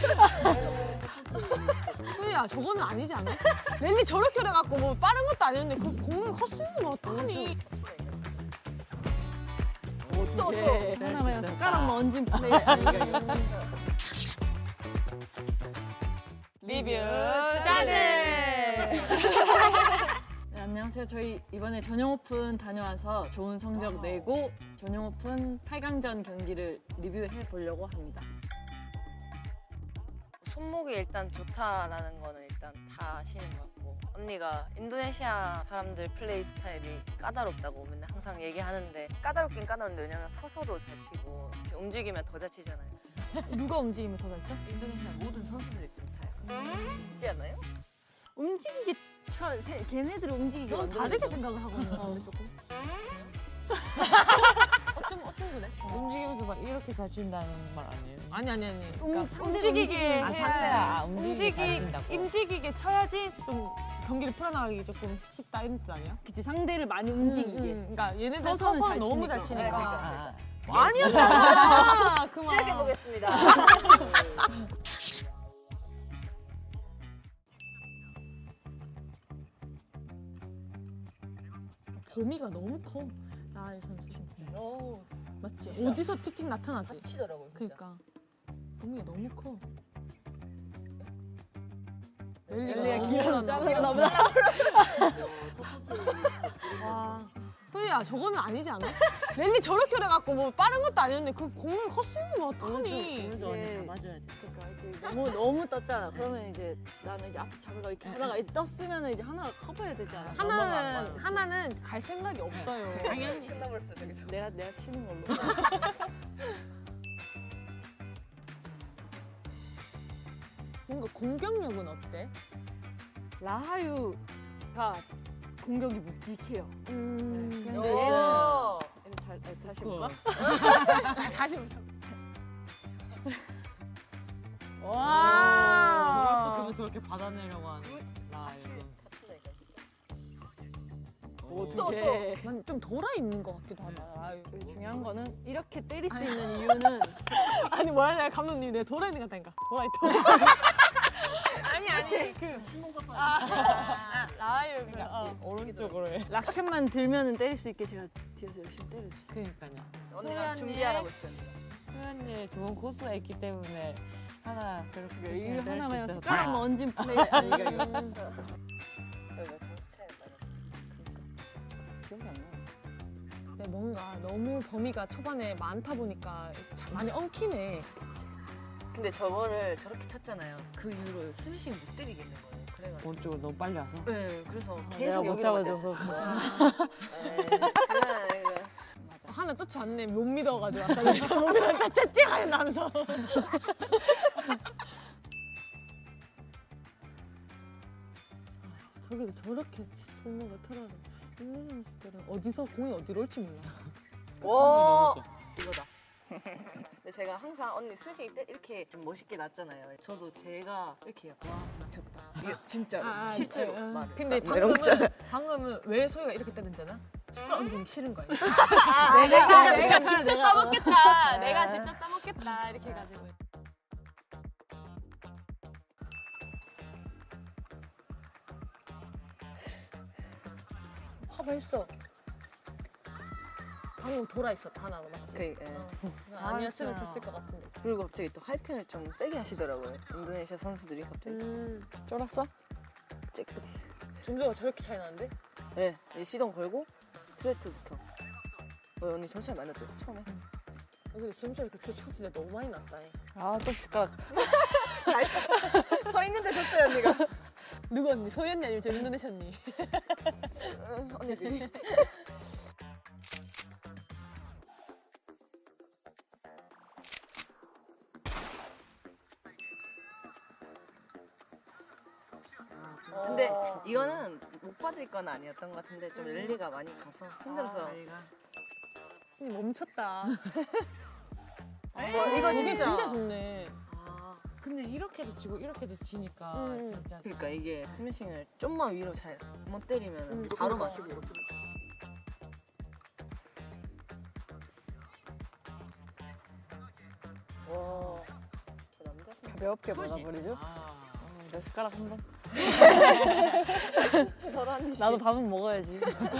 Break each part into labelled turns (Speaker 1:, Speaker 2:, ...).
Speaker 1: 소희야 저거는 아니지 않아? 랠리 저렇게 해갖고 뭐 빠른 것도 아니었는데 그 공을 헛스윙을 어떡하니?
Speaker 2: 또 하나만 숟가락 얹은 플레이 아닌가요?
Speaker 1: 리뷰자들.
Speaker 2: 네, 안녕하세요. 저희 이번에 전용 오픈 다녀와서 좋은 성적 내고 전용 오픈 8강전 경기를 리뷰해 보려고 합니다.
Speaker 3: 손목이 일단 좋다라는 거는 일단 다 아시는 것 같고, 언니가 인도네시아 사람들 플레이 스타일이 까다롭다고 맨날 항상 얘기하는데, 까다롭긴 까다로운데 왜냐면 서서도 잘 치고 이렇게 움직이면 더 잘 치잖아요.
Speaker 1: 누가 움직이면 더 잘 쳐?
Speaker 3: 인도네시아 모든 선수들이 좀 다 약간 있지 않아요?
Speaker 2: 움직이게 걔네들이 움직이게
Speaker 1: 넌
Speaker 2: 만들어야
Speaker 1: 다르게
Speaker 2: 되잖아.
Speaker 1: 생각을 하고 있는 건데 조금. 어쩜 그래?
Speaker 4: 움직이면서 막 이렇게 잘 친다는 말 아니에요?
Speaker 1: 아니.
Speaker 2: 상대를
Speaker 1: 움직이게
Speaker 4: 아,
Speaker 1: 해야
Speaker 4: 상대가 움직이게 잘 친다고?
Speaker 1: 움직이게 쳐야지 좀 경기를 풀어나가기 조금 쉽다 이런 뜻 아니야?
Speaker 2: 그치, 상대를 많이 움직이게.
Speaker 1: 그러니까 얘네들
Speaker 2: 서서는
Speaker 1: 서서
Speaker 2: 잘
Speaker 1: 너무 잘
Speaker 2: 치니까.
Speaker 1: 치니까.
Speaker 4: 아,
Speaker 1: 아니었잖아. 그만.
Speaker 3: 시작해 보겠습니다.
Speaker 1: 범위가 너무 커. 나의 선수 진짜. 맞지? 어디서 틱틱 나타나지?
Speaker 3: 치더라고요.
Speaker 1: 그러니까 범위가 너무 커.
Speaker 2: 랠리가
Speaker 1: 너무
Speaker 2: 길어서
Speaker 1: 올라간다.
Speaker 2: 잘랐나 보다.
Speaker 1: 와. 소희야 저거는 아니지 않아? 랠리 저렇게 해갖고 뭐 빠른 것도 아니었는데 그 공을 헛스윙을 어떡하니?
Speaker 4: 오른쪽 언니
Speaker 2: 예.
Speaker 4: 잡아줘야 돼.
Speaker 2: 그러니까 이렇게 너무 떴잖아. 그러면 이제 나는 이제 앞에 잡으려고 이렇게 하다가 이제 떴으면 이제 하나가 커버해야 되지 않아?
Speaker 1: 하나는 갈 생각이 없어요.
Speaker 4: 당연히.
Speaker 3: 끝나버렸어 저기서.
Speaker 2: 내가 치는 걸로.
Speaker 1: 뭔가 공격력은 어때?
Speaker 2: 라하유가 공격이 묵직해요. 근데 얘는
Speaker 3: 오.
Speaker 2: 다시 볼까?
Speaker 1: 다시 보자.
Speaker 4: 저것도
Speaker 1: 와.
Speaker 4: 그러면 저렇게 받아내려고 하는 라이브 선수.
Speaker 2: 어떻게?
Speaker 1: 난좀 돌아 있는 것 같기도 하다. 아유.
Speaker 2: 중요한 거는 이렇게 때릴 수 있는 이유는
Speaker 1: 아니 뭐라냐 감독님 내가 돌아 있는 것 같다니까. 돌아 있다. 아니 그 라이브
Speaker 4: 오른쪽으로 해.
Speaker 2: 라켓만 들면은 때릴 수 있게 제가 뒤에서 열심히 때려줬어요.
Speaker 4: 그러니까요.
Speaker 3: 언니가 준비하라고 있어요.
Speaker 4: 소연이 좋은 코스가 있기 때문에 하나 그렇게
Speaker 2: 이
Speaker 4: 열심히 뗄수
Speaker 2: 하나만
Speaker 4: 있어서
Speaker 2: 숟가락만
Speaker 4: 다행이야.
Speaker 2: 얹은 플레이 아닌가요?
Speaker 3: 여기가 점수 차이가 나서.
Speaker 2: 기억이 안 나.
Speaker 1: 근데 뭔가 너무 범위가 초반에 많다 보니까 참 많이 엉키네.
Speaker 3: 근데 저거를 저렇게 쳤잖아요. 그 이후로 스매싱 못 때리겠는 거예요. 그래가지고.
Speaker 4: 오른쪽으로 너무 빨리 와서.
Speaker 3: 네, 그래서
Speaker 2: 내가
Speaker 3: 계속
Speaker 2: 못
Speaker 3: 여기로
Speaker 2: 잡아줘서.
Speaker 1: 하나 쫓아왔네. 못 믿어가지고 아까 내가 못 믿었다 채팅하는 남성. 저기도 저렇게 손목을 털어서 있는 선수들은 어디서 공이 어디로 올지 몰라.
Speaker 3: 와, 이거다. 근데 제가 항상 언니 스매싱 이렇게 좀 멋있게 났잖아요. 저도 제가 이렇게 와 미쳤다. 이게 진짜로 실제로 말을.
Speaker 1: 근데
Speaker 3: 이런 거 있잖아요.
Speaker 1: 방금은 왜 소희가 이렇게 때렸잖아? 숟가락 얹기 싫은 거야.
Speaker 2: 내가
Speaker 1: 직접 따먹겠다. 내가 직접 따먹겠다. 이렇게 해가지고. 커버했어. 방금 돌아 있었다 하나로 맞지?
Speaker 3: 예.
Speaker 1: 아니었으면
Speaker 4: 맞아.
Speaker 1: 졌을 것 같은데.
Speaker 3: 그리고 갑자기 또 화이팅을 좀 세게 하시더라고요. 인도네시아 선수들이 갑자기.
Speaker 2: 쫄았어?
Speaker 3: 쬐끔.
Speaker 1: 점수가 저렇게 차이 나는데?
Speaker 3: 네, 이제 시동 걸고 스트레이트부터. 언니 점수 많이 났죠? 처음에?
Speaker 1: 근데 점수가 이렇게 진짜 진짜 너무 많이 났다.
Speaker 2: 아, 또 숟가락.
Speaker 3: 서 있는데 졌어요 언니가.
Speaker 1: 누구 언니? 소희 언니 아니면 저 인도네시아 언니?
Speaker 3: 언니들이. 근데 이거는 못 받을 건 아니었던 것 같은데 좀 랠리가 많이 가서 힘들어서.
Speaker 1: 멈췄다.
Speaker 3: 이거
Speaker 1: 이게
Speaker 3: 진짜.
Speaker 1: 진짜 좋네.
Speaker 3: 아,
Speaker 4: 근데 이렇게도 지고 이렇게도 지니까 진짜.
Speaker 3: 그러니까 이게 스매싱을 좀만 위로 잘 못 때리면 바로 맞추고. 와, 저 남자.
Speaker 2: 가벼워. 가볍게 받아버리죠. 내 숟가락 한 번. 나도 밥은 먹어야지.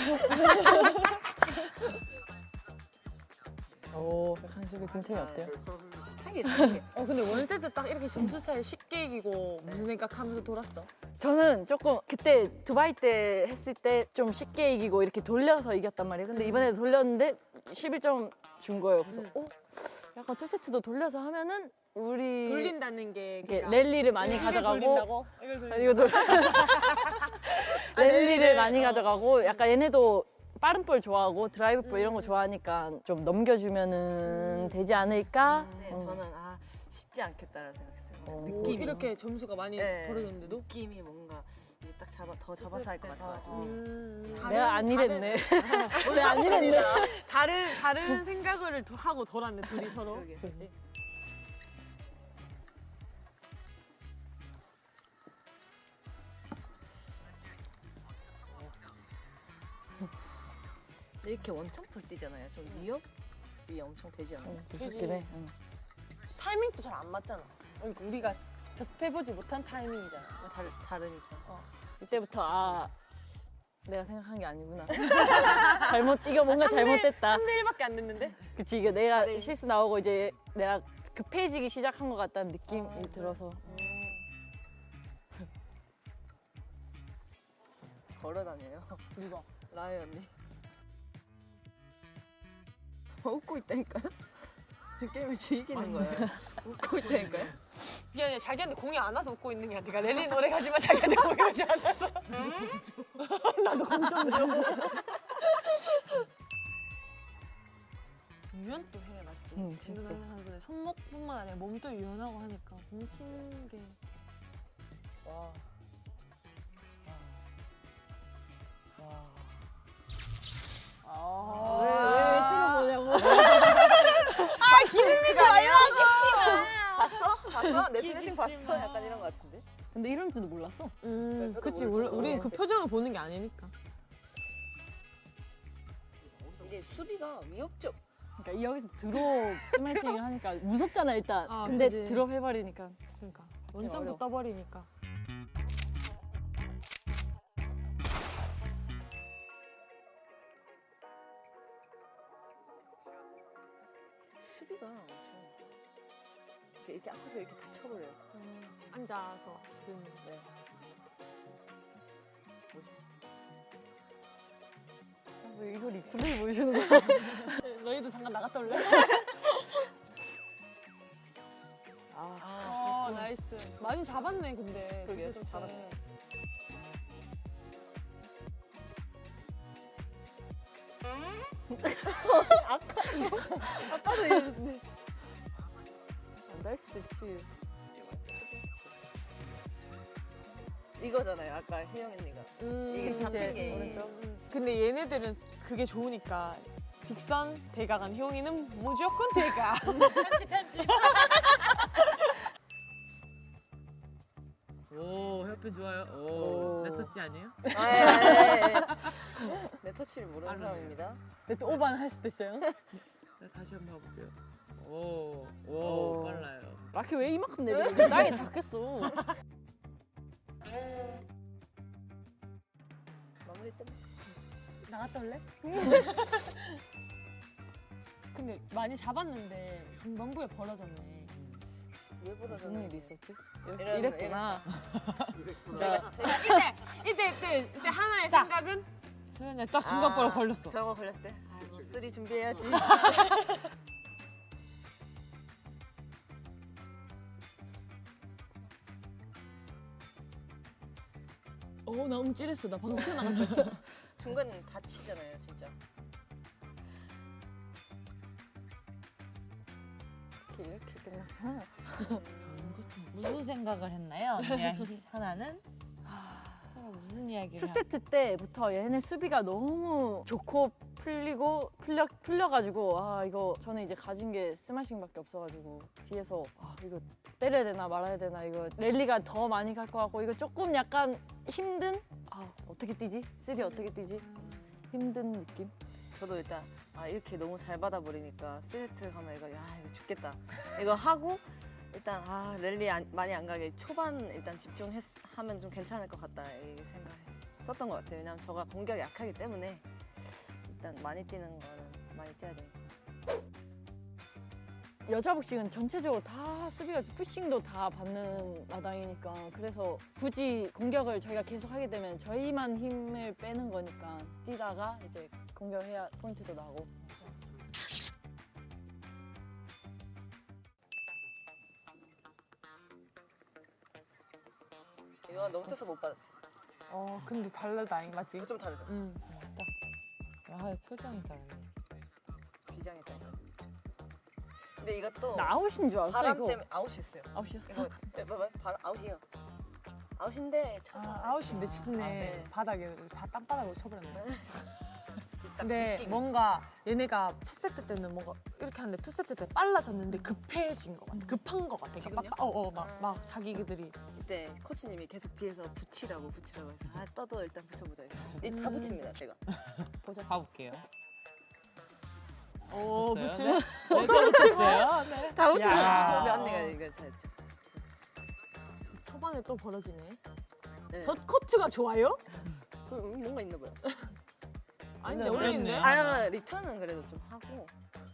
Speaker 2: 오, 강식이 빈틈이 어때요?
Speaker 3: 하게
Speaker 1: 근데 원세트 딱 이렇게 점수 차이 쉽게 이기고 무슨 생각하면서 돌았어?
Speaker 2: 저는 조금 그때 두바이 때 했을 때 좀 쉽게 이기고 이렇게 돌려서 이겼단 말이에요. 근데 이번에 돌렸는데 11점 준 거예요. 그래서 약간 투 세트도 돌려서 하면은 우리
Speaker 1: 돌린다는 게
Speaker 2: 이렇게 랠리를 많이
Speaker 1: 이걸
Speaker 2: 가져가고
Speaker 1: 돌린다고? 이걸 돌린다고?
Speaker 2: 이거 랠리를 많이 가져가고 약간 얘네도 빠른 볼 좋아하고 드라이브 볼 이런 거 좋아하니까 좀 넘겨주면은 되지 않을까?
Speaker 3: 네, 저는 쉽지 않겠다라는 생각했어요.
Speaker 1: 느낌이 이렇게 점수가 많이
Speaker 3: 네.
Speaker 1: 벌어졌는데도?
Speaker 3: 느낌이 뭔가 이제 딱 더 잡아서 할 것 같아가지고.
Speaker 2: 내가 안 이랬네. 내가 안 이랬네.
Speaker 1: 다른 생각을 더 하고 돌았네 둘이 서로.
Speaker 3: 그러게. 근데 이렇게 원청풀 뛰잖아요. 좀 위협이 엄청 되지 않아요?
Speaker 2: 무섭긴 해. 응.
Speaker 1: 타이밍도 잘 안 맞잖아. 그러니까 우리가 접해보지 못한 타이밍이잖아.
Speaker 3: 다르니까.
Speaker 2: 이때부터 내가 생각한 게 아니구나. 잘못 이거 뭔가 잘못됐다.
Speaker 1: 3대 1밖에 안 됐는데?
Speaker 2: 그치 이게 내가 실수 나오고 이제 내가 급해지기 시작한 것 같다는 느낌이 들어서.
Speaker 3: 걸어 다녀요.
Speaker 1: 누가?
Speaker 3: 라이 언니. 웃고 있다니까요? 지금 게임을 즐기는 거예요. 웃고 있다니까요?
Speaker 1: 미안해, 자기한테 공이 안 와서 웃고 있는 게 아니라 랠리 노래 가지만 자기한테 공이 오지 않아서. 나도 공좀 줘. 유연도 해, 맞지?
Speaker 2: 응, 진짜.
Speaker 1: 운동하는 사람들은 손목뿐만 아니라 몸도 유연하고 하니까 공 치는 게.
Speaker 3: 와.
Speaker 2: 왜 찍어보냐고.
Speaker 1: 기름이가 아니라
Speaker 3: 봤어? 내 스매싱 봤어? 약간 이런 거 같은데?
Speaker 2: 근데 이런 줄도 몰랐어.
Speaker 3: 저도
Speaker 1: 그치.
Speaker 3: 모르겠어.
Speaker 1: 우리는 그 표정을 보는 게 아니니까.
Speaker 3: 이게 수비가 위협적.
Speaker 2: 그러니까 여기서 드롭 스매싱 하니까 무섭잖아 일단.
Speaker 1: 아,
Speaker 2: 근데
Speaker 1: 그지.
Speaker 2: 드롭 해버리니까.
Speaker 1: 그러니까
Speaker 2: 어려워.
Speaker 1: 원점도 떠버리니까.
Speaker 3: 수비가 엄청. 이렇게 앞에서 이렇게 다 쳐버려요.
Speaker 1: 앉아서 든.
Speaker 3: 네.
Speaker 2: 왜 이거 리플레이 보여주는 거야?
Speaker 1: 너희도 잠깐 나갔다 올래? 나이스. 많이 잡았네 근데.
Speaker 3: 그러게요, 좀 잘하네.
Speaker 2: 아까도 이랬는데. 안 달 수도 있지.
Speaker 3: 이거잖아요. 아까 혜영 언니가. 이게
Speaker 2: 그치,
Speaker 3: 잡힌
Speaker 2: 이제
Speaker 3: 게.
Speaker 2: 오른쪽.
Speaker 1: 근데 얘네들은 그게 좋으니까 직선 대각한 효영이는 무조건 대각. 편집.
Speaker 4: 오, 협회 좋아요.
Speaker 2: 오.
Speaker 4: 오, 내 터치 아니에요?
Speaker 3: 내 터치를 모르는 사람입니다.
Speaker 1: 근데 또 오반 할 수도 있어요.
Speaker 4: 네, 다시 한번 해볼게요. 오, 오,
Speaker 2: 오.
Speaker 4: 빨라요.
Speaker 2: 라키 왜 이만큼 내리고 땅에 닿겠어.
Speaker 3: 마무리 좀.
Speaker 1: 나갔다 올래? 근데 많이 잡았는데 중반부에 벌어졌네.
Speaker 3: 왜
Speaker 2: 무슨
Speaker 3: 부러졌는지.
Speaker 2: 일이 있었지?
Speaker 3: 이런-
Speaker 2: 이랬구나.
Speaker 3: 저희가
Speaker 1: 이때 하나의 생각은
Speaker 4: 소연이 딱 중간보로 걸렸어.
Speaker 3: 저거 걸렸을 때 아이고 쓰리 준비해야지.
Speaker 1: 나 움찔했어. 나 방금 튀어나갔다.
Speaker 3: 중간 다치잖아요, 진짜.
Speaker 2: 이렇게 끝났구나.
Speaker 4: 무슨 생각을 했나요? 언니랑 하나는 서로 무슨 이야기를?
Speaker 2: 2세트 때부터 얘네 수비가 너무 좋고 풀려가지고 이거 저는 이제 가진 게 스매싱밖에 없어가지고 뒤에서 이거 때려야 되나 말아야 되나 이거 랠리가 더 많이 갈 것 같고 이거 조금 약간 힘든 어떻게 뛰지? 쓰리 어떻게 뛰지? 힘든 느낌?
Speaker 3: 저도 일단 이렇게 너무 잘 받아버리니까 세트 가면 이거 죽겠다. 이거 하고 일단 랠리 많이 안 가게 초반 일단 집중하면 좀 괜찮을 것 같다 이 생각했었던 것 같아요. 왜냐면 저가 공격이 약하기 때문에 일단 많이 뛰는 거는 많이 뛰어야 돼요.
Speaker 2: 여자 복식은 전체적으로 다 수비가 푸싱도 다 받는 마당이니까 그래서 굳이 공격을 저희가 계속 하게 되면 저희만 힘을 빼는 거니까 뛰다가 이제 공격해야 포인트도 나고.
Speaker 3: 이거 너무 쳐서 못 받았어요.
Speaker 1: 근데 달라다 맞지?
Speaker 3: 이거 좀 다르죠?
Speaker 4: 아 표정이 다르네.
Speaker 3: 비장했다니까. 근데 이것도
Speaker 2: 나 아웃인 줄 알았어
Speaker 3: 바람
Speaker 2: 이거.
Speaker 3: 때문에 아웃이었어요.
Speaker 2: 아웃이었어.
Speaker 3: 이거 봐봐 바람 아웃이에요. 아웃인데 쳐서
Speaker 1: 아웃인데 짙네.
Speaker 3: 네.
Speaker 1: 바닥에 다 땅바닥으로 쳐버렸네.
Speaker 3: 딱
Speaker 1: 근데
Speaker 3: 느낌이.
Speaker 1: 뭔가 얘네가 투세트 때는 뭔가 이렇게 하는데 투세트 때 빨라졌는데 급해진 것 같아. 급한 것 같아.
Speaker 3: 지금요?
Speaker 1: 막 자기들이.
Speaker 3: 이때 코치님이 계속 뒤에서 붙이라고 해서 떠도 일단 붙여보자. 다 붙입니다 제가.
Speaker 2: 보자.
Speaker 4: 가볼게요.
Speaker 1: 오,
Speaker 4: 붙였어요?
Speaker 1: 붙이네?
Speaker 4: 네, 또 붙였어요. 네.
Speaker 3: 다 붙입니다.
Speaker 4: 야.
Speaker 3: 근데 언니가 이거 잘했죠.
Speaker 1: 초반에 또 벌어지네.
Speaker 3: 네.
Speaker 1: 저 코트가 좋아요?
Speaker 3: 뭔가 있나 봐요.
Speaker 1: 아닌데
Speaker 2: 원래
Speaker 1: 원래 있는데?
Speaker 4: 있네.
Speaker 3: 리턴은 그래도 좀 하고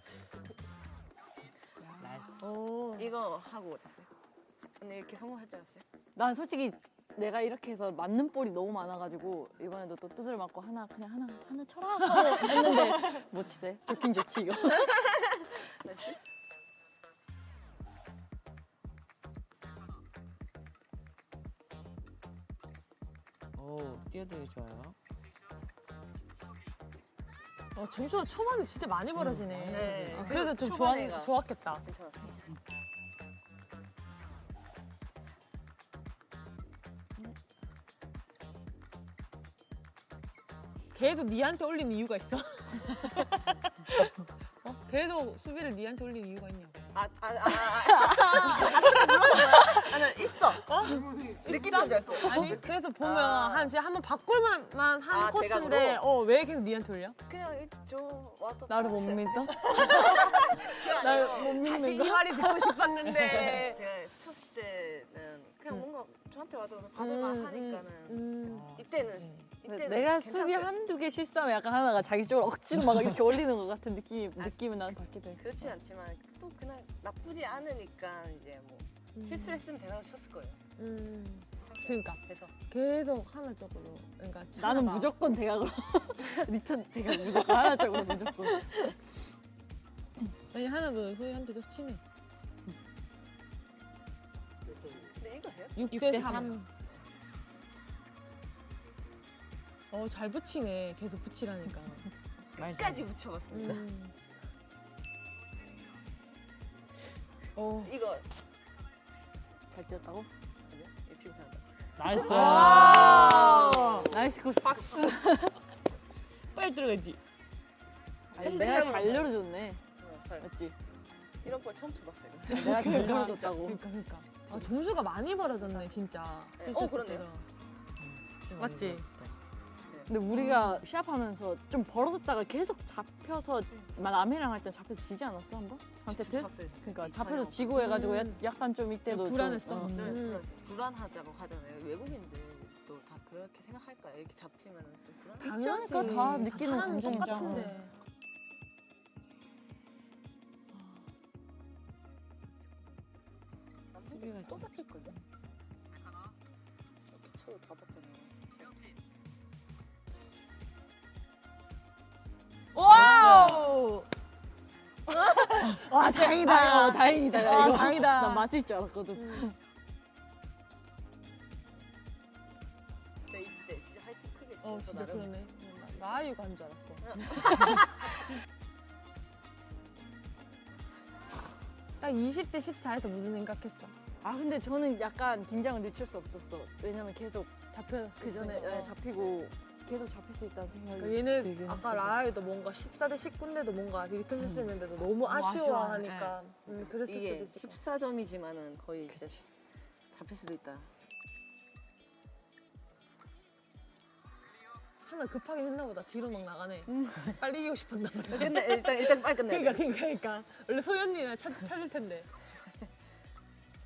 Speaker 4: 나이스.
Speaker 1: 오.
Speaker 3: 이거 하고 그랬어요. 언니 이렇게 성공하지 않았어요?
Speaker 2: 난 솔직히 내가 이렇게 해서 맞는 볼이 너무 많아가지고 이번에도 또 두드려 맞고 하나 쳐라 하고 했는데 못 치대. 좋긴 좋지 이거.
Speaker 3: 나이스.
Speaker 4: 오 뛰어들기 좋아요.
Speaker 1: 점수가 초반에 진짜 많이 벌어지네.
Speaker 3: 네.
Speaker 1: 그래서 좀
Speaker 3: 초반에가
Speaker 1: 좋았겠다.
Speaker 3: 괜찮았어요.
Speaker 1: 걔도 니한테 올리는 이유가 있어? 걔도 수비를 니한테 올리는 이유가 있냐고.
Speaker 3: 나는 있어. 느낌인 줄 알았어요.
Speaker 1: 아니 그래서 보면
Speaker 3: 아.
Speaker 1: 한 진짜 한번 바꿀만 한 코스인데
Speaker 3: 대각으로?
Speaker 1: 왜 계속 니한테 올려?
Speaker 3: 그냥 있죠. 와도
Speaker 2: 나를 못
Speaker 3: 봤어요.
Speaker 2: 믿어?
Speaker 3: 나를
Speaker 2: 못
Speaker 1: 다시
Speaker 2: 믿는
Speaker 1: 이
Speaker 2: 거?
Speaker 1: 말이 듣고 싶었는데.
Speaker 3: 제가 쳤을 때는 그냥 뭔가 저한테 와도 받을만 하니까는 이때는
Speaker 2: 내가 수비 한두 개 실수하면 약간 하나가 자기 쪽으로 억지로 막 이렇게 올리는 것 같은 느낌은 난 받게 돼.
Speaker 3: 그렇진 않지만 또 그냥 나쁘지 않으니까 이제 뭐 실수를 했으면 대답을 쳤을 거예요.
Speaker 1: 그러니까
Speaker 3: 그래서
Speaker 1: 계속 하나 쪽으로. 그러니까
Speaker 2: 나는
Speaker 1: 하나가-
Speaker 2: 무조건 대각으로 리턴 대각 무조건 하나 쪽으로 무조건.
Speaker 1: 아니 하나도 소희한테 좀 치네.
Speaker 3: 근데 이거세요?
Speaker 1: 6대 3. 잘 붙이네. 계속 붙이라니까.
Speaker 3: 끝까지 붙여봤습니다. 이거
Speaker 2: 잘 뛰었다고?
Speaker 3: 아니요? 이거 지금 잘한다.
Speaker 4: 나이스.
Speaker 2: 나이스 코스. 박수.
Speaker 4: 빨리 들어가지.
Speaker 2: 내가 잘 열어줬네.
Speaker 3: 잘.
Speaker 2: 맞지?
Speaker 3: 이런 걸 처음 쳐봤어요.
Speaker 2: 내가 잘 열어줬다고.
Speaker 1: 그러니까. 점수가 많이 벌어졌네 진짜.
Speaker 3: 네. 그러네요.
Speaker 4: 진짜 많이
Speaker 1: 맞지?
Speaker 4: 들어갔다.
Speaker 2: 근데 우리가 시합하면서 좀 벌어졌다가 계속 잡혀서 남이랑 할 때 잡혀서 지지 않았어 한 번? 한 세트?
Speaker 3: 쳤어요.
Speaker 2: 그러니까 잡혀서 지고 해가지고 약간 좀 이때도 좀,
Speaker 1: 불안했어.
Speaker 3: 네,
Speaker 1: 음.
Speaker 3: 불안하다고 하잖아요. 외국인들도 다 그렇게 생각할까요? 이렇게 잡히면 좀 불안해.
Speaker 2: 있지 않을까? 다 느끼는
Speaker 1: 사람이
Speaker 2: 감정이죠.
Speaker 1: 똑같은데.
Speaker 4: 수비가
Speaker 3: 또
Speaker 4: 진짜.
Speaker 3: 잡힐 걸요? 이렇게 쳐도 다 봤잖아요.
Speaker 1: 와우! 와 다행이다.
Speaker 2: 다행이다. 야,
Speaker 1: 아,
Speaker 2: 이거.
Speaker 1: 다행이다.
Speaker 2: 난 맞을 줄 알았거든.
Speaker 3: 근데 이때 진짜 하이팅 크게 했어요. 저
Speaker 1: 진짜
Speaker 3: 나름.
Speaker 1: 그러네. 나아유가 한 줄 알았어. 딱 20대 14에서 무슨 생각했어?
Speaker 2: 아 근데 저는 약간 긴장을 늦출 수 없었어. 왜냐면 계속
Speaker 1: 잡혀.
Speaker 2: 그 전에 잡히고 계속 잡힐 수 있다는 생각이.
Speaker 1: 그러니까 얘는
Speaker 2: 들긴
Speaker 1: 아까
Speaker 2: 했어서.
Speaker 1: 라아유도 뭔가 14대 19인데도 뭔가 리턴 실수했는데도 너무 아쉬워하니까 그랬을
Speaker 3: 이게
Speaker 1: 수도 있을 것
Speaker 3: 14점이지만은 거의 진짜 잡힐 수도 있다.
Speaker 1: 하나 급하게 했나 보다. 뒤로 막 나가네. 빨리 이기고 싶었나 보다.
Speaker 3: 근데 일단 빨리 끝내.
Speaker 1: 그러니까 원래 소연이나 찾을 텐데.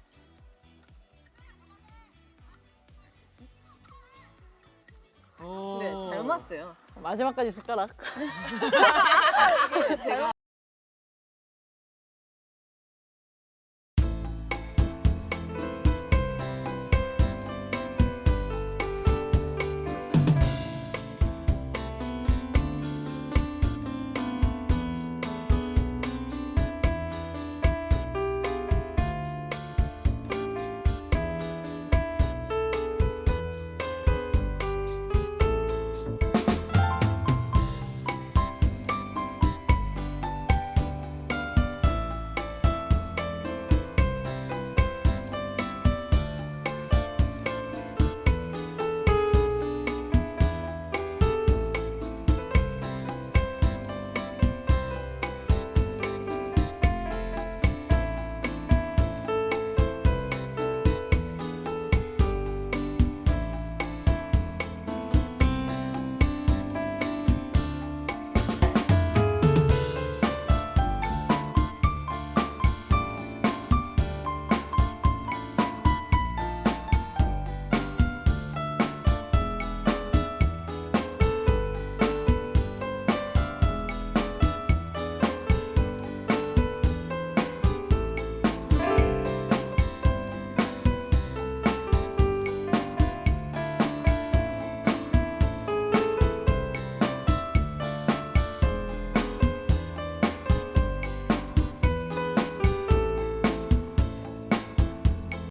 Speaker 3: 좋았어요.
Speaker 2: 마지막까지 숟가락.